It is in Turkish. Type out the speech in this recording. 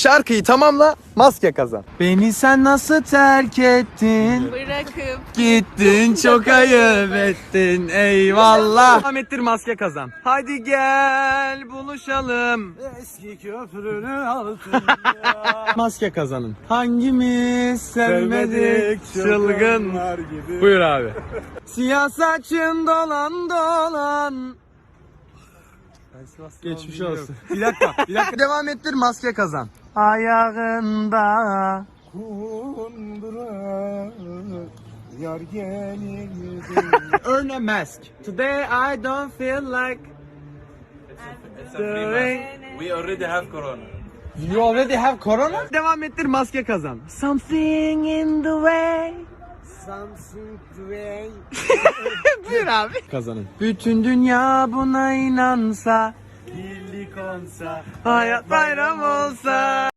Şarkıyı tamamla, maske kazan. Beni sen nasıl terk ettin? Bırakıp Gittin, çok ayıp ettin, eyvallah. Devam ettir, maske kazan. Hadi gel buluşalım. Eski köprünün altında. Maske kazanın. Hangimiz sevmedik çılgınlar gibi. Buyur abi. Siyah saçın dolan dolan. Geçmiş olsun. Bir dakika. Devam ettir, maske kazan. Ayağında. Kundura yar gelir. Earn a mask. Today I don't feel like doing. We already have corona. You already have corona? Devam ettir, maske kazan. Something in the way. Something way. Buyur abi. Kazanın. Bütün dünya buna inansa, Birlik olsa. hayat bayram olsa.